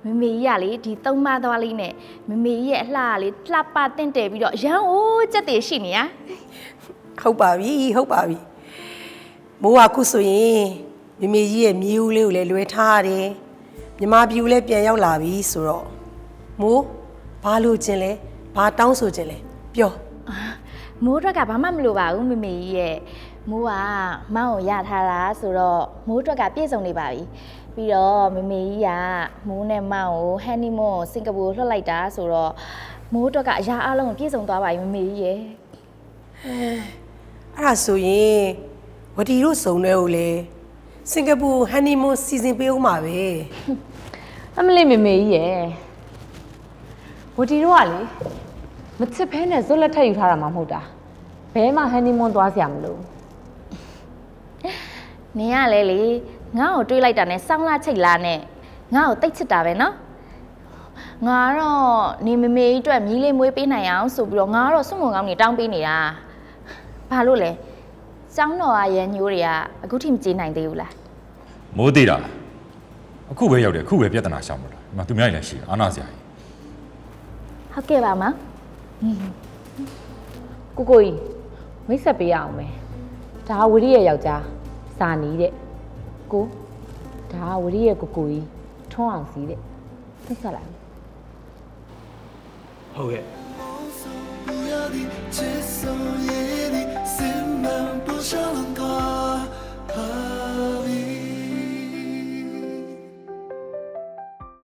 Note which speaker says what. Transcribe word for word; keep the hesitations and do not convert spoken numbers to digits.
Speaker 1: မမေကြီးကလေဒီသုံးမသွားလေးနဲ့မမေကြီးရဲ့အလှကလေလှပတင့်တယ်ပြီးတော့ရန်အိုးကြက်တည်ရှိနေရ
Speaker 2: ဟုတ်ပါပြီဟုတ်ပါပြီမိုးကခုဆိုရင်မမေကြီးရဲ့မြေဦးလေးကိုလည်းလွဲထားရတယ်မြမပြူလည်းပြန်ရောက်လာပြီဆိုတော့မိုးဘာလို့ခြင်းလဲဘာတောင်းဆိုခြင်းလဲပြော
Speaker 1: မိုးအတွက်ကဘာမှမလိုပါဘူးမမေကြီးရဲ့မိုးကမောင်းကိုရထားတာဆိုတော့မိုးအတွက်ကပြည့်စုံနေပါပြီပြီးတော့မမေကြီးကမိုးနဲ့မောင်းကိုဟန်နီမွန်းစင်ကာပူလွှတ်လိုက်တာဆိုတော့မိုးအတွက်ကအရာအလုံးကိုပြည့်စုံသွားပါပြီမမေကြီးရဲ့
Speaker 2: အဲ့ဒါဆိုရင်ဝတီတို့စုံတဲ့ကိုလေစင်ကာပူဟန်နီမွန်းစီစဉ်ပေးဦးမှာပဲ
Speaker 3: အမလေးမေမေကြီးရဲ့ဝတီတို့ကလေမချစ်ဖဲနဲ့ဇွတ်လက်ထက်ယူထားတာမှမဟုတ်တာဘဲမှဟန်နီမွန်းသွားစရာမလို
Speaker 1: နင်ကလေလေငါ့ကိုတွေးလိုက်တာနဲ့စောင်းလာချိတ်လာနဲ့ငါ့ကိုတိတ်ချစ်တာပဲနော်ငါတော့နေမမေကြီးအတွက်မြီးလေးမွေးပေးနိုင်အောင်ဆိုပြီးတော့ငါတော့စွန့်မုံကောင်းနေတောင်းပေးနေတာဘာလို့လဲကျောင်းတော်ကရန်ညိုးတွေကအခုထိမကြေးနိုင်သေးဘူးလား
Speaker 4: မိုးသေးတာအခုပဲရောက်တယ်အခုပဲပြဿနာရှောင်မလားဒီမှာသူများလည်းရှိအာနာစရာကြီး
Speaker 1: ဟုတ်ကဲ့ပါမ
Speaker 3: ကိုကိုကြီးမိတ်ဆက်ပေးရအောင်မယ်ဒါဝရီရဲ့ယောက်ျားစာနီးတဲ့ကိုဒါဝရီရဲ့ကိုကိုကြီးထွန်းအောင်စီးတဲ့မိတ်ဆက်လိုက်
Speaker 5: ဟုတ်ကဲ့